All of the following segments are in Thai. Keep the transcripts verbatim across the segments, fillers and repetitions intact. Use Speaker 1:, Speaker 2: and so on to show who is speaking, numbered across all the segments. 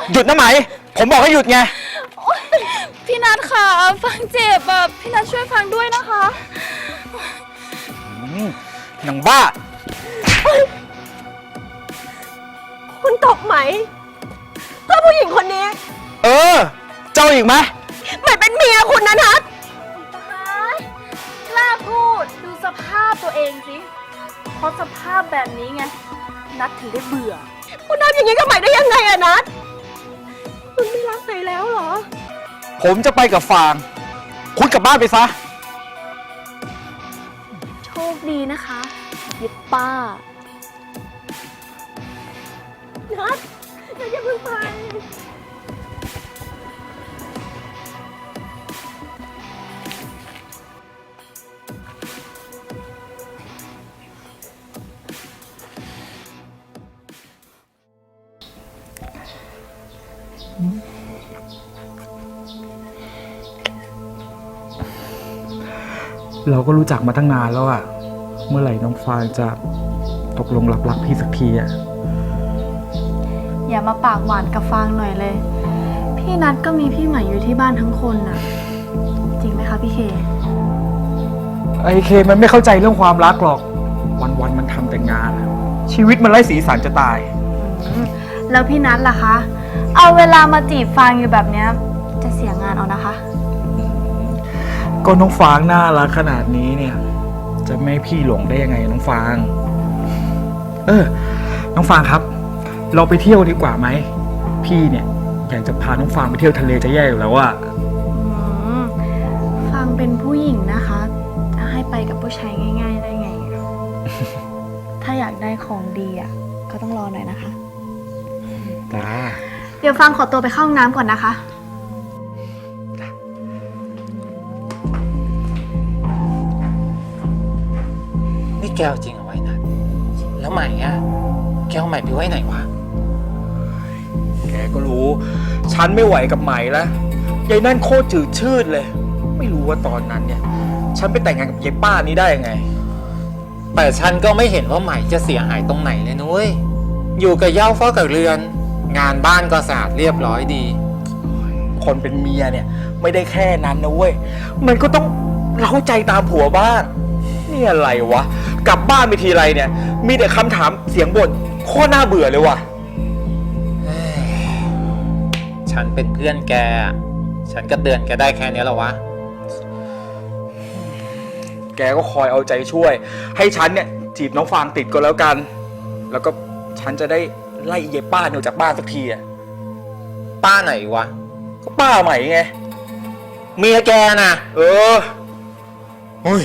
Speaker 1: หยุดนะไหมผมบอกให้หยุดไง
Speaker 2: พี่นัทค่ะฟังเจ็บอ่ะพี่นัทช่วยฟังด้วยนะคะ
Speaker 1: หนังบ้า
Speaker 3: คุณตบไหมเพื่อผู้หญิงคนนี้
Speaker 1: เออเจ้าอีกไหม
Speaker 3: ไหมเป็นเมียคุณนะนัท
Speaker 2: กล้าพูดดูสภาพตัวเองสิเพราะสภาพแบบนี้ไงนัทถึงได้เบื่อ
Speaker 3: คุณทำอย่างนี้กับไหมได้ยังไงอะนัทคุณไม่รักไหมแล้วเหรอ
Speaker 1: ผมจะไปกับฟางคุณกลับบ้านไปซะ
Speaker 2: โชคดีนะคะยิบป้า
Speaker 3: นัทนัทอย่าเพิ่งไป
Speaker 1: เราก็รู้จักมาตั้งนานแล้วอะเมื่อไหร่น้องฟางจะตกลงรับรักพี่สักทีอะ
Speaker 2: อย่ามาปากหวานกับฟางหน่อยเลยพี่นัทก็มีพี่ใหม่อยู่ที่บ้านทั้งคนน่ะจริงไหมคะพี่เค
Speaker 1: ไอเคมันไม่เข้าใจเรื่องความรักหรอกวันๆมันทำแต่งานชีวิตมันไร้สีสันจะตาย
Speaker 2: แล้วพี่นัทล่ะคะเอาเวลามาจีบฟางอยู่แบบเนี้ยจะเสียงานเอานะคะ
Speaker 1: ก็น้องฟางน่ารักขนาดนี้เนี่ยจะไม่พี่หลงได้ยังไงน้องฟางเออน้องฟางครับเราไปเที่ยวดีกว่าไหมพี่เนี่ยอยากจะพาน้องฟางไปเที่ยวทะเลจะแย่อยู่แล้วอะ
Speaker 2: ฟางเป็นผู้หญิงนะคะจะให้ไปกับผู้ชายง่ายๆได้ไง ถ้าอยากได้ของดีอ่ะก็ต้องรอหน่อยนะคะ
Speaker 1: จ้า
Speaker 2: เดี๋ยวฟางขอตัวไปเข้าห้องน้ำก่อนนะคะ
Speaker 4: นี่แกเอาจริงเอาไว้นะแล้วใหม่อะแกเอาใหม่ไปไว้ไหนวะ
Speaker 1: แกก็รู้ฉันไม่ไหวกับใหม่แล้วยายนั่นโคตรจืดชืดเลยไม่รู้ว่าตอนนั้นเนี่ยฉันไปแต่งงานกับยายป้านี้ได้ยังไง
Speaker 4: แต่ฉันก็ไม่เห็นว่าใหม่จะเสียหายตรงไหนเลยนุ้ยอยู่กับเหย้าเฝ้ากับเรือนงานบ้านก็สะอาดเรียบร้อยดี
Speaker 1: คนเป็นเมียเนี่ยไม่ได้แค่นั้นนะเว้ยมันก็ต้องเล้าใจตามผัวบ้างนี่อะไรวะกลับบ้านไปทีไรเนี่ยมีแต่คำถามเสียงบ่นโคตรน่าเบื่อเลยว่ะ
Speaker 4: ฉันเป็นเพื่อนแกฉันก็เตือนแกได้แค่นี้แล้ววะ
Speaker 1: แกก็คอยเอาใจช่วยให้ฉันเนี่ยจีบน้องฟางติดก็แล้วกันแล้วก็ฉันจะได้ไล่เย่ป้าเนี่ยจากบ้านสักทีอะ
Speaker 4: ป้าไหนวะ
Speaker 1: ก็ป้าใหม่ไง
Speaker 4: เมียแกนะ
Speaker 1: เออเฮ้ย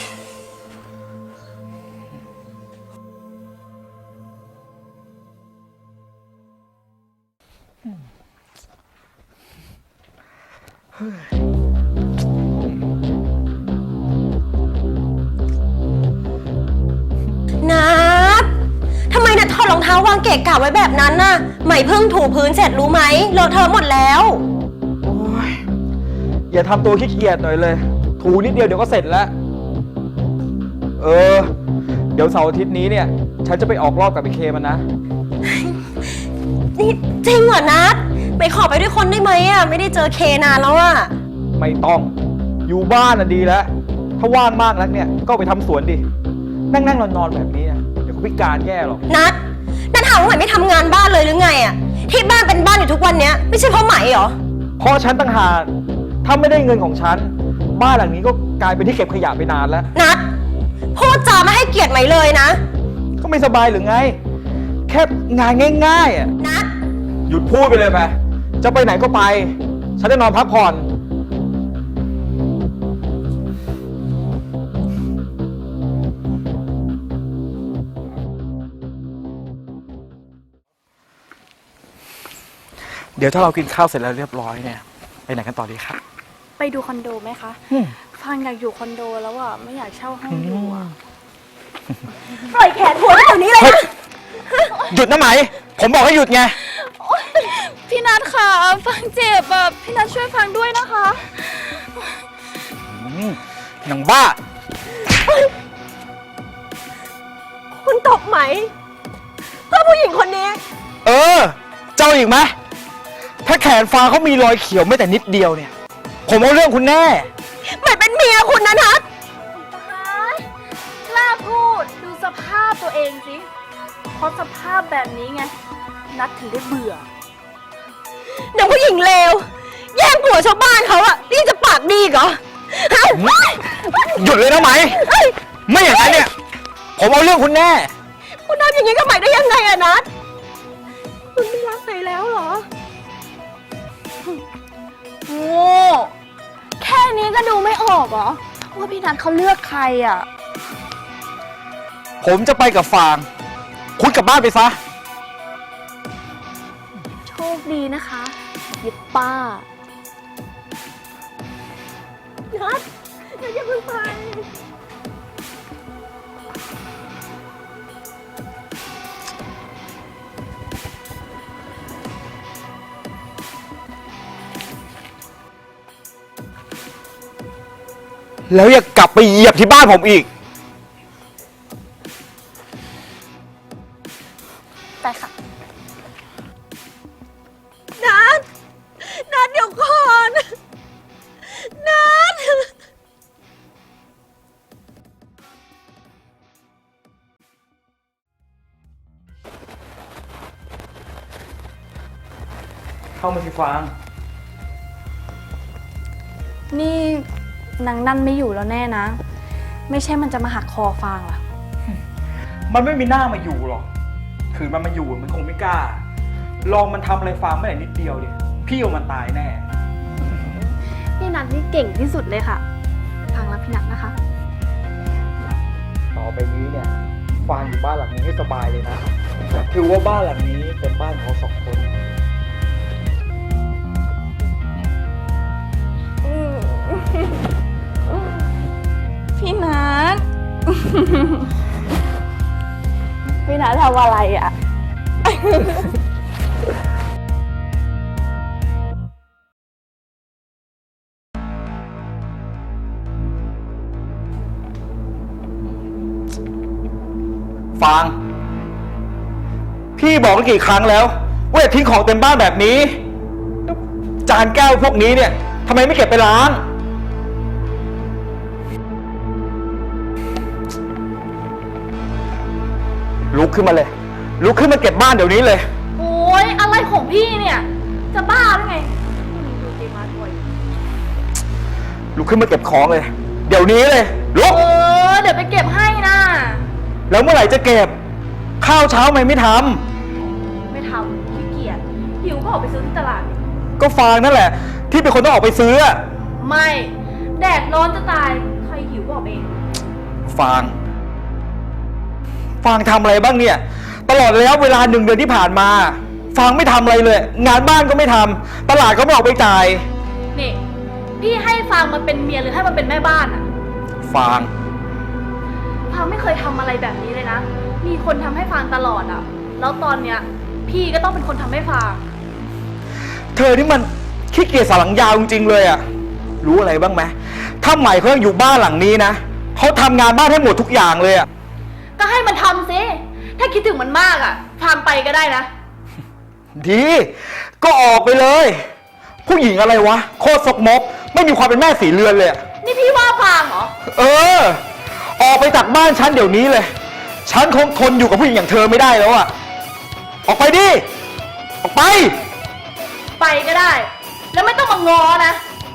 Speaker 3: นัททำไมนัทถอดรองเท้าวางเกะกะไว้แบบนั้นน่ะไหมเพิ่งถูพื้นเสร็จรู้ไหมเลอะเทอะหมดแล้ว
Speaker 1: โอ้ยอย่าทำตัวขี้เกียจหน่อยเลยถูนิดเดียวเดี๋ยวก็เสร็จแล้วเออเดี๋ยวเสาร์อาทิตย์นี้เนี่ยฉันจะไปออกรอบกับไอเคมันนะ
Speaker 3: นี่จริงเหรอนัทไปขอไปด้วยคนได้ไหมอ่ะไม่ได้เจอเคนานแล้วอ่ะ
Speaker 1: ไม่ต้องอยู่บ้านน่ะดีแล้วถ้าว่างมากนักเนี่ยก็ไปทำสวนดินั่งนั่งนอนนอนแบบนี้เดี๋ยวก็พิการแย่หรอก
Speaker 3: นัทนัทถามว่าไหมไม่ทำงานบ้านเลยหรือไงอ่ะที่บ้านเป็นบ้านอยู่ทุกวันเนี้ยไม่ใช่เพราะไหมเหรอ
Speaker 1: เพราะฉันต่างหากถ้าไม่ได้เงินของฉันบ้านหลังนี้ก็กลายเป็นที่เก็บขยะไปนานแล้ว
Speaker 3: นัทพูดจาไม่ให้เกียรติไหมเลยนะ
Speaker 1: ก็ไม่สบายหรือไงแค่งานง่ายๆอ่ะ
Speaker 3: นัท
Speaker 1: หยุดพูดไปเลยไปจะไปไหนก็ไปฉันจะนอนพักผ่อนเดี๋ยวถ้าเรากินข้าวเสร็จแล้วเรียบร้อยเนี่ยไปไหนกันต่อดีครับ
Speaker 2: ไปดูคอนโดไหมคะฟังอยากอยู่คอนโดแล้วอ่ะไม่อยากเช่าห้องอยู่อ่ะ
Speaker 3: ปล่อยแขนหัวเดี๋ยวนี้เลยนะ
Speaker 1: หยุดนะไหมผมบอกให้หยุดไง
Speaker 2: พี่นัทค่ะฟังเจ็บอ่ะพี่นัทช่วยฟังด้วยนะคะ
Speaker 1: หนังบ้า
Speaker 3: คุณตบไหมเพื่อผู้หญิงคนนี้
Speaker 1: เออเจ้าอีกไหมถ้าแขนฟางเขามีรอยเขียวไม่แต่นิดเดียวเนี่ย ผมเอาเรื่องคุณแน่
Speaker 3: ใหม่เป็นเมียคุณนะนัท
Speaker 2: กล้าพูดดูสภาพตัวเองสิเพราะสภาพแบบนี้ไง นัดถึงได้เบื่อ
Speaker 3: นางผู้หญิงเลวแย่งผัวชาวบ้านเขาอะนี่จะปากดีอีกเหรอฮะ
Speaker 1: หยุดเลยนะไหม ไม่อย่างนั้นเนี่ย ผมเอาเรื่องคุณแน่
Speaker 3: คุณทำอย่างนี้กับใหม่ได้ยังไงอะนัทคุณไม่รักใหม่แล้วเหรอ
Speaker 2: โง่แค่นี้ก็ดูไม่ออกเหรอ ว่าพี่นัทเขาเลือกใครอ่ะ
Speaker 1: ผมจะไปกับฟาง คุณกลับบ้านไปซะ
Speaker 2: โชคดีนะคะยิบป้า
Speaker 3: นัทนัทอย่าเพิ่งไป
Speaker 1: แล้วอย่ากลับไปเหยียบที่บ้านผมอีก
Speaker 2: ไปค่ะ
Speaker 3: นัทนัทเดี๋ยวก่อนนัท
Speaker 1: เข้ามาสิฟาง
Speaker 2: นี่นางนั่นไม่อยู่แล้วแน่นะ ไม่ใช่มันจะมาหักคอฟางล่ะ
Speaker 1: มันไม่มีหน้ามาอยู่หรอกถือมันมาอยู่มันคงไม่กล้า ลองมันทำอะไรฟางไม่ได้นิดเดียวเนี่ยพี่เอามันตายแน่
Speaker 2: พี่นัทนี่เก่งที่สุดเลยค่ะฟางรักพี่นัทนะคะ
Speaker 1: ต่อไปนี้เนี่ยฟางอยู่บ้านหลังนี้ให้สบายเลยนะถือว่าบ้านหลังนี้เป็นบ้านของเราสองคน
Speaker 2: พี่นัท พี่นัททำอะไรอ่ะ
Speaker 1: ฟาง พี่บอกกี่ครั้งแล้วว่าอย่าทิ้งของเต็มบ้านแบบนี้ จานแก้วพวกนี้เนี่ยทำไมไม่เก็บไปล้าง ลุกขึ้นมาเลย ลุกขึ้นมาเก็บบ้านเดี๋ยวนี้เลย
Speaker 2: โอ้ยอะไรของพี่เนี่ย จะบ้าหรือไงดูเจมาด้วย
Speaker 1: ลุกขึ้นมาเก็บของเลย เดี๋ยวนี้เลย ลุก
Speaker 2: เออ เดี๋ยวไปเก็บให้นะ
Speaker 1: แล้วเมื่อไหร่จะเก็บ ข้าวเช้าทำไมไม่ท
Speaker 2: ไม่ทำขี้เกียจหิวก็ออกไปซื้อที่ตลาด
Speaker 1: ำก็ฟางนั่นแหละ ที่เป็นคนต้องออกไปซื้ออะ
Speaker 2: ไม่ แดดร้อนจะตาย ใครหิวก็ออกเอง
Speaker 1: ฟาง ฟางทำอะไรบ้างเนี่ย ตลอดระยะเวลาหนึ่งเดือนที่ผ่านมา ฟางไม่ทำอะไรเลย งานบ้านก็ไม่ทำตลาดก็ไม่ออกไปจ่าย
Speaker 2: นี่ พี่ให้ฟางมาเป็นเมียหรือให้มาเป็นแม่บ้านอะ
Speaker 1: ฟาง
Speaker 2: ฟางไม่เคยทำอะไรแบบนี้เลยนะ มีคนทำให้ฟางตลอดอะแล้วตอนเนี้ย พี่ก็ต้องเป็นคนทำให้ฟาง
Speaker 1: เธอนี่มันขี้เกียจสาหลังยาวจริงๆเลยอะรู้อะไรบ้างไหมถ้าใหม่เขายังอยู่บ้านหลังนี้นะเขาทำงานบ้านให้หมดทุกอย่างเลยอะ
Speaker 2: ก็ให้มันทำสิถ้าคิดถึงมันมากอะฟางไปก็ได้นะ
Speaker 1: ดี ก็ออกไปเลย ผู้หญิงอะไรวะ โคตรสกมก ไม่มีความเป็นแม่สีเรือนเลยอะ
Speaker 2: นี่พี่ว่าฟางเหรอ
Speaker 1: เออ ออกไปจากบ้านฉันเดี๋ยวนี้เลย ฉันคงทนอยู่กับผู้หญิงอย่างเธอไม่ได้แล้วอะออกไปดิ ออกไป
Speaker 2: ไปก็ได้ แล้วไม่ต้องมางอนะ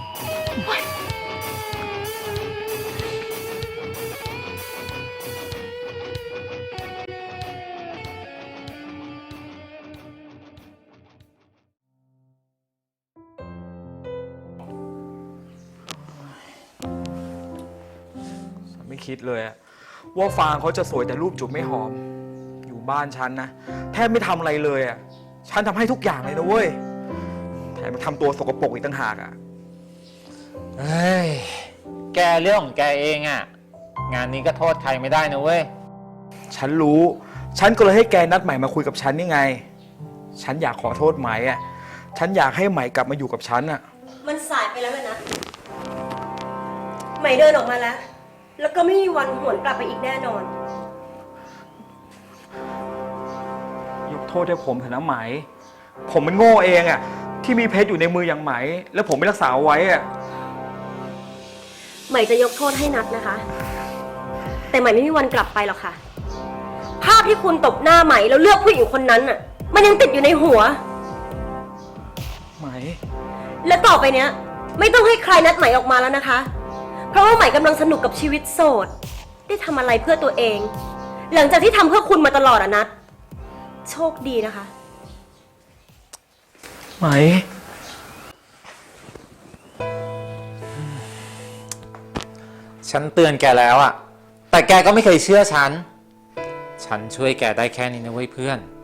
Speaker 1: ไม่คิดเลยอะว่าฟางเขาจะสวยแต่รูปจูบไม่หอม อยู่บ้านฉันนะแทบไม่ทำอะไรเลยอะฉันทำให้ทุกอย่างเลยนะเว้ยแถมมาทำตัวสกปรกอีกต่างหากอะ
Speaker 4: เฮ้ย แกเรื่องของแกเองอะงานนี้ก็โทษใครไม่ได้นะเว้ย
Speaker 1: ฉันรู้ ฉันก็เลยให้แกนัดใหม่มาคุยกับฉันนี่ไง ฉันอยากขอโทษไหมอะฉันอยากให้ใหม่กลับมาอยู่กับฉันอะ
Speaker 3: มันสายไปแล้วเลยนะใหม่เดินออกมาแล้ว แล้วก็ไม่มีวันหวนกลับไปอีกแน่นอน
Speaker 1: ยกโทษให้ผมเถอะนะไหม ผมมันโง่เองอะทที่มีเพชรอยู่ในมืออย่างไหม แล้วผมไม่รักษาเอาไว้อะ
Speaker 3: ใหม่จะยกโทษให้นัดนะคะ แต่ใหม่ไม่มีวันกลับไปหรอกค่ะ ภาพที่คุณตบหน้าใหม่แล้วเลือกผู้หญิงคนนั้นน่ะ มันยังติดอยู่ในหัว
Speaker 1: ไหม
Speaker 3: และต่อไปเนี้ย ไม่ต้องให้ใครนัดใหม่ออกมาแล้วนะคะ เพราะว่าใหม่กำลังสนุกกับชีวิตโสด ได้ทำอะไรเพื่อตัวเอง หลังจากที่ทำเพื่อคุณมาตลอดอะนัดโชคดีนะคะ
Speaker 1: ไหม
Speaker 4: ฉันเตือนแกแล้วอะแต่แกก็ไม่เคยเชื่อฉัน ฉันช่วยแกได้แค่นี้นะเว้ยเพื่อน